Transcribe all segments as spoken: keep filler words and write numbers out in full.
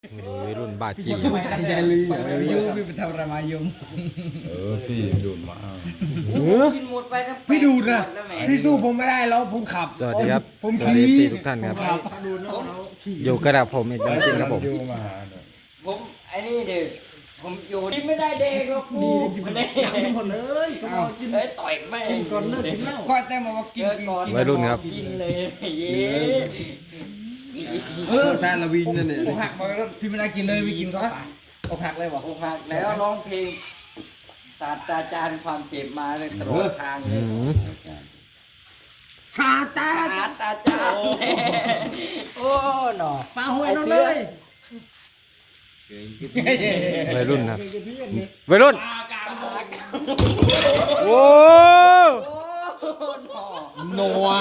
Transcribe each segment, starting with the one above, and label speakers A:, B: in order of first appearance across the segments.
A: วัยรุ่นบาจี
B: ไม่ใช่ลือยูพี่เป็นทำระมายม
C: เออพี่ดูดมา
D: กินหมดไปทั้ง
B: พี่ดูนะ
D: แล้วแหม
B: พี่สู้ผมไม่ได้แล้วผมขับ
A: สวัสดีครับ
B: ผม
A: สวัสดี
B: ขี่
A: ทุกท่านครับ
B: ขับ
A: อยู่กระดับผมอีกจริงๆครับผม
C: ยูมาหาหน่อย
D: ผมไอ้นี่เด็กผมอยู่ที่ไม่ได้เด็กหรอกกูมันได้หมดเลยเอ้ยต่อยแม่งก่อนเลิกกินเหล้า
B: ก็แต่มาว่ากินกิน
A: วัยรุ่นครับ
D: กินเลยเย้
B: เออซาลาวินนั่นเนี่ยอกหักมาแล้วพี่ไม่ได้กินเลยไม่กินเขาอกหักเลยบอก
D: อกหักแล้วร้องเพลงศาสตราจารย์ความเจ็บมาเลยตลอดทางเล
A: อื
D: ย
A: ม
B: ซาตา
D: ศาสตราจารย์โอ้หนอ
B: ปลาหวยนอนเลย
A: วัยรุ่นครับวัยรุ่นโอ้
B: โนัว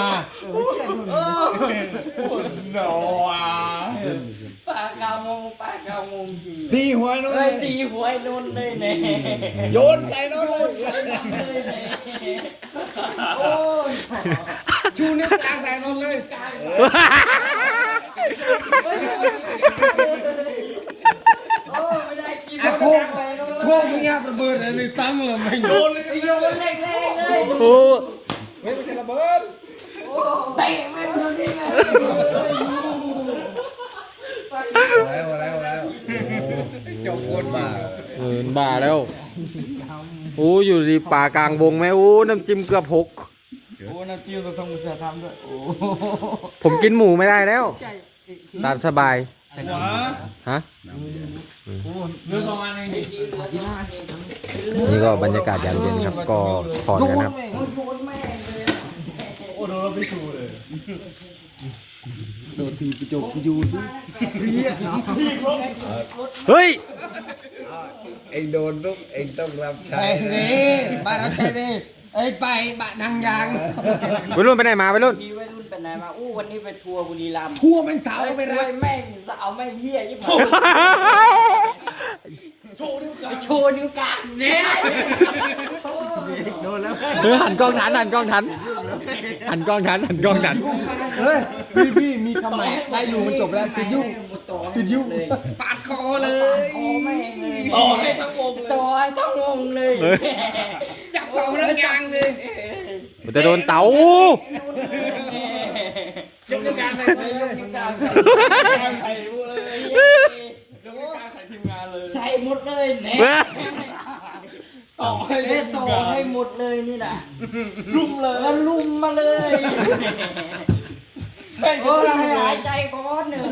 B: โนัว
D: ปากกามงปากกามงจริง
C: ตีหัวนน
D: เฮ้ยตีหวยนุ่นเลยเนี่ย
C: โยนใส่นนเลย
D: โอ้ย
B: ชูนิ้วกลางใส่นอนเลย
D: โอ้ไม่ได้กิน
B: อะโคกโคกไม่ยับระเบิดอะไรตั้งเลยไม่โดนเลย
D: โยนเล็กๆเลย
A: โอ้
C: เฮ้ยไม่ใช่ระเบิด
D: เตะแม่งตรงนี้ไง
C: แล้วแล้วแล้วจบคนบ้า
A: เออบ้าแล้วโอ้อยู่ดีป่ากลางวงไหมโอ้น้ำจิ้มเกือบหก
B: โอ้น้ำจิ้มต้องทำมือเสียทำด้วยโอ้
A: ผมกินหมูไม่ได้แล้วตามสบาย
B: หัว
A: ฮะ
B: เรื่องประมาณนี้ดิ
A: นี่ก็บรรยากาศยามเย็นครับก็ถอนกันครับ
D: โยนแม่งเลย
B: โอ้โดนเราไปชูเลย
C: โดนทีกระจกกระยูซิ
A: เฮ้ย
C: เองโดนทุกเองต้องรับใช้
B: ใช่นี่บ้านรับใช้นี่ไอ้ไปบ้านนางยาง
A: วัยรุ่นไปไหนมาวัยรุ่น
D: มีวัยรุ่นไปไหนมาอู้วันนี้ไปทัวร์บุรีรัมย์
B: ทั่วแม่งสาว
D: เอา
B: ไป
D: ไป
B: รั
D: รั
B: ก
D: แม่งเอาแม่งเหี้ยยิ่งมาไปโชว์นิ้วกลางเนี่ย
C: โดนแล้ว
A: เออหันกล้องทันหันกล้องทันหันกล้องทันหันกล้องทัน
B: เฮ้ยพี่พี่มีคำใหม่ได้อยู่มันจบแล้วติดยุ่งติดยุ่ง
D: เลย
B: ปาดคอเลย
D: โอ้แม่งเลย
B: ต่อให้ทั้งวงเลย
D: ต่อให้ทั้งวงเลย
B: จับเป่านังยางเลย
A: มันจะโดนเต๋าย
B: กนิ้วกลางเลย
D: ยกนิ้วกลาง
B: ใส่เลยยกนิ้วกลางใส่ทีมงานเลย
D: ใส่หมดเลยเนี่ย
B: ต่อให้
D: เล่นต่อให้หมดเลยนี่นะลุ่มเลยแล้วลุ่มมาเลยโอ้ยหายใจก้อนหนึ่ง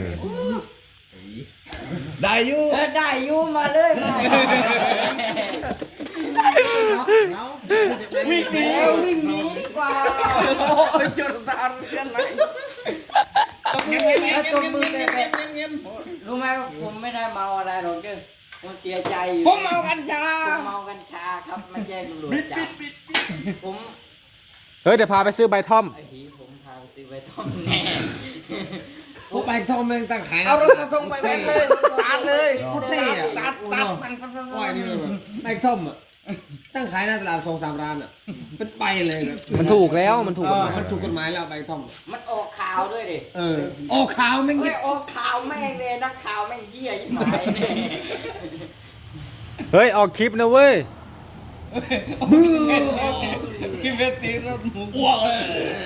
C: ได้ยู
D: เออได้อยุ่มาเลยมา
B: วิ่งหนี
D: แล้ววิ่งหนีดีกว่า
B: โอ้ยจนสารกันไหน
D: แล้วตัวมือไปไปรู้ไหมว่าผมไม่ได้เมาอะไรหรอกเด้อผมเสียใจอยู่
B: ผมเมากัญชา
D: ผมเมากัญชาครับไม่แจ้งตำรวจจับผม
A: เฮ้ยเดี๋ยวพาไปซื้อใบท่อม
D: ไอ้หีผมพาไปซื้อไปต้มแน่
B: ผมไปทอมเองตั้งขายเอารถมาทงไปแม่เลยตัดเลยพุทเซ่ตัดตัดมันพันก้อยนี่เลยไปทอมอ่ะตั้งขายหน้าตลาดสองสามร้านอ่ะเป็นไปเลยนะ
A: มันถูกแล้วมันถูก
B: เอก
A: ฎ
B: อ
A: หมาย
B: มันถูกกฎหมายแล้วใบทอม
D: มันออกข่าวด้วยดิ
B: เออออกข่าวแม่ง
D: ไม่ออกข่าวแม่งเลยนักข่าวแม่งเหี้ยยิ่งหมายเนี่ย
A: เฮ้ยออกคลิปนะเว้ย
B: มือพี่เวทีแล้วหมูอ้วกเลย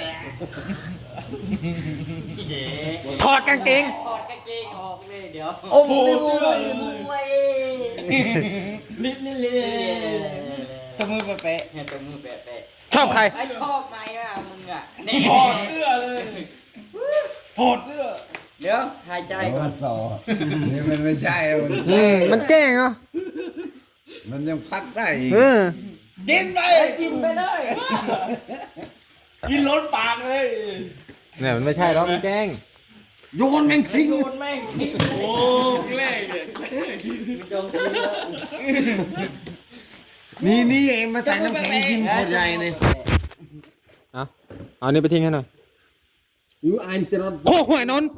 A: ถอดกางเกง
D: ถอดกางเกงออกเลยเดี๋ยว
C: โอ้โหตื่น
D: มวย
B: ลิ้นนี่เลยตะมือแปะ
D: เนี่ยตัวมือแปะ
A: ชอบใคร
D: ๆไอ้ชอบไงอ่ะมึงอ่ะเนี่ย
B: ถอดเสื้อเลยถอดเสื้อ
D: เดี๋ยวหายใจก่อน
C: สอนี่มันไม่ใช่มัน
A: อืมมันแกล้งเนาะ
C: มันยังพักได้อีก
A: เออ
B: กินไป
D: กินไปเลย
B: กินล้นปากเลย
A: เนี่ยมันไม่ใช่หรอกมันแกล้ง
B: โยนแม่งทิ้ง
D: โดนแม่งทิ้ง
B: โอ้แรงเลย
D: โดนทิ้งแล้ว
B: นี่นี่เองมาใส่น้ำแข็งกินโคตรใหญ่เลย
A: เอาเอานี่ไปทิ้งให้หน่อย
B: ยูอันจะรอด
A: โอ้หวยนนท์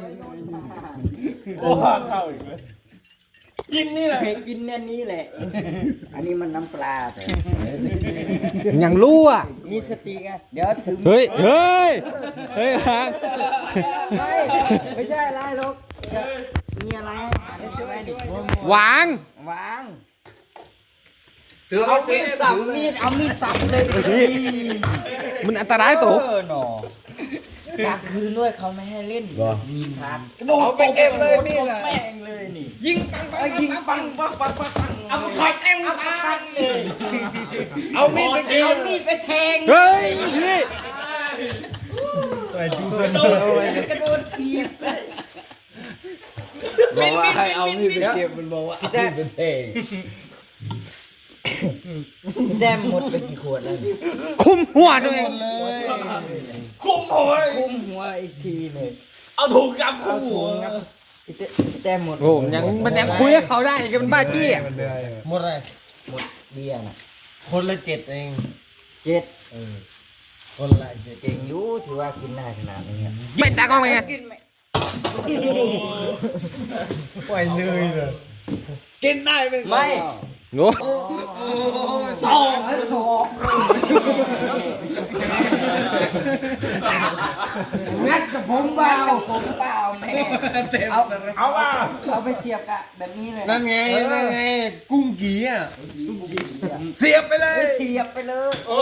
B: โอ้ห่าเข้าอีกเลยกินนี่แหละ
D: กินเนี่ยนี้แหละ อันนี้มันน้ำปลาแต่
A: ยังรู้อ่ะ
D: มีสติไงเดี๋ยวถึง
A: เฮ้ยเฮ้ยเฮ้ยฮาง
D: ไม่ไม่ใช่อะไรหรอกเมียอะไรเอาไว้ดิ
A: วาง
D: วาง
C: ถือ
D: เอา
C: เอา
D: มี
C: มี
D: ด
C: ด
D: สั
C: สั
D: บบ
C: เล
D: มี
C: ย
D: ดเอามีดสับเลย
A: มันอันตรายตัว
D: เออหนออยากคืนด้วยเขาไม่ให้เล่นมีทาง
C: กระโดดเอาไปเก็บเลยนี่แหละ
D: แม่งเลยนี่ยิงปังปังยิงปังปังปังปังปังเอาไปคอยเต็มตาเลย
C: เอามีดไปเก็บ
D: เอามีดไปแทง
A: เฮ้ยพี่
C: ไปดูส
D: กระ
C: นุ
D: โด
C: ก
D: ดกระโดดทีบ
C: บอกว่าให้เอามีดไปเก็บมันบอกว่าเอามีดไปเทง
D: แต้มหมดไปกี่ขวดแล้ว
A: คุมหัวด้วย
D: คุ้มหัวคุ้มหัวอีกทีหนึ่งเอาถุงกับคุ้มหัวแต้มหมด
A: โอ้มันยังมันยังคุยกับเขาได้อีกันมันบ้าจี้อะ
C: มันเหนื่อย
B: หมดเลย
D: หมดเบี้ยน่ะ
B: คนละเจ็ดเอง
D: เจ็ด
B: คนละเจ็ด
D: เก่งอยู่ถือว่ากินได้ขนาดนี้อะ
A: ไม่ตากล้องไปไง
D: กินไหม
C: ปล่อยเลยเลยกินได้ไหม
D: ไม่
A: โอ้
D: สองสอง
B: งัดกับผม
D: ผม
B: เปล่า
D: เปล่าผมเปล่าแม่เอาเอาว่าเอาไปเสียบกะแบบนี้เลย
B: นั่นไงนั่นไงกุ้งกีอ่ะ
C: เสียบไปเลย
D: เสียบไปเลยโอ้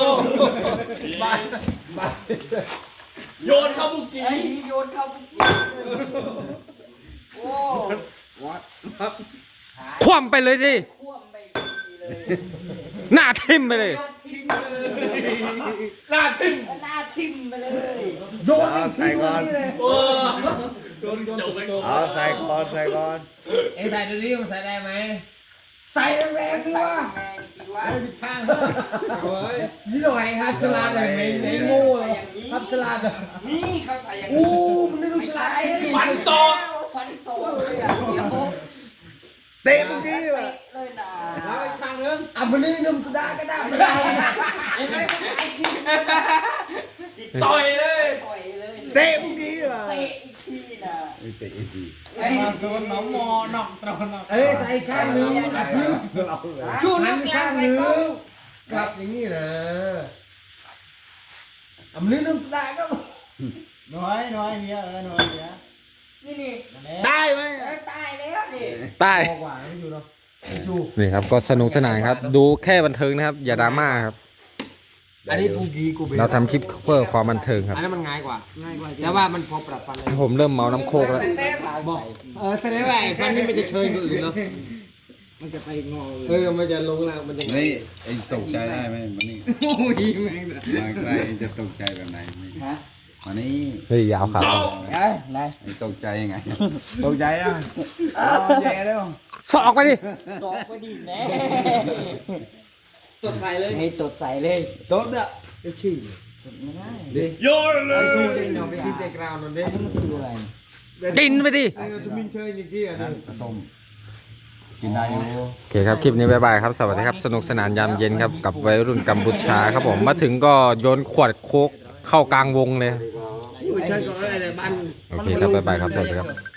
D: โยนเข้าบุกี้โยนเข้าบุกี้โอ้
A: คว่ำไปเลยดิ
D: ท่วมไปเลย
A: หน้าทิ่มไปเลย
D: ทิ้งเลยหน้าทิ่มหน้าทิ่มไปเลย
B: โยน
C: เอาใส่ก่อน
D: โอ้
C: เอาใส่ก่อนใส่ก่อน
B: เอ็งใส่ดูดิมันใส่ได้ไหมใส่แรงๆสิ
D: ใส่
B: วะ
D: แมงสิวะ
B: ข้างเฮ้ยยี่หน่อยครับฉลาดเลยไม่ไม่โง่เลยครับฉลาดเลย
D: นี่เขาใส่อย่าง
B: อู้
D: นี้
B: มันไม่รู้ฉลาด
D: ฟันศอกฟันศอกเลยอ่ะเดี๋ยว
C: เตะเมื่อกี้ว่ะ
D: เลยนะ
B: แล้วอีกข้างนึงอ่ะมันนี่นุ่มก็ได้ก็ได้ไม่ได้
D: ต่อยเลยต่อยเลย
C: เตะเมื่อกี้ว่ะ
D: เตะอีกทีนะ
C: เตะอีกที
D: ไอ้
B: เอ้ยใส่ข้างนึงกระพริบ
D: ชูนั
B: หั
D: ก
B: น
D: กีฬา
B: ข้าง
D: ใส่
B: นึ
D: กล้อง
B: งกลับอย่างนี้นะอ่ะมันนี่นุ่มก็ได้ก็
C: น้อยน้อยเนี้ยเออน้อยเนี้ย
D: นี่นี่
A: ได้ไหม
D: เอ้ยตายแล้วนี่
A: ตาย
B: พอกว่าไม่อยู่เนาะ
A: นี่ครับก็สนุกสนานครับ ดูแค่บันเทิงนะครับ อย่าดราม่าครับ
B: อันนี้ปูกีกูเบ
A: เราทำคลิปเพื่อความบันเทิงครับ
B: อันนั้นมันง่ายกว่าง่ายกว่าแต่ว่ามันพอปรับฟันเลย
A: ผมเริ่มเมาน้ำโคกแล้ว
B: บอกเออแสดงว่าไอ้ฟันนี่มันจะเชยกว่าอื่นเนาะมันจะไปงอเออมันจะลงล่างมันจะ
C: นี่เองตกใจได้ไหมมันนี่
B: โอ้ยแม่งเลย
C: มาใกล้เองจะตกใจแบบไหนไหม
D: ฮะ
C: มานี่
A: เฮ้ยยาวครับ
D: เอ้ยไหน
C: เองตกใจยังไง ตกใจอ่ะอ๋อแย่แล้ว
A: สอกไปดิ
D: ตอกไปดิแน่
B: ตดใส่เลย
D: ให้ตดใส่เลย
C: ตดอ่ะ
B: ไอ้ชื่อ
D: ตดไม่ได้
C: ดิ
B: ไอ้ชื่อเด่นเนาะไปชื่อเด่นกราวน์นั่นเด้
D: อันนี้มันคืออะไร
A: ดินไปดิ
B: ไอ้เราจะมินเชยอย่างกี้อ่ะ
C: นั่นกระต้มกินได้อยู่
A: โอเคครับ คลิปนี้บ๊ายบายครับ สวัสดีครับ สนุกสนานยามเย็นครับ กับวัยรุ่นกัมพูชาครับผม มาถึงก็โยนขวดโคกเข้ากลางวงเลย
B: อยู่เชยก็เอออะไรบ้าน
A: โอเคครับบ๊ายบายครับ สวัสดีครับ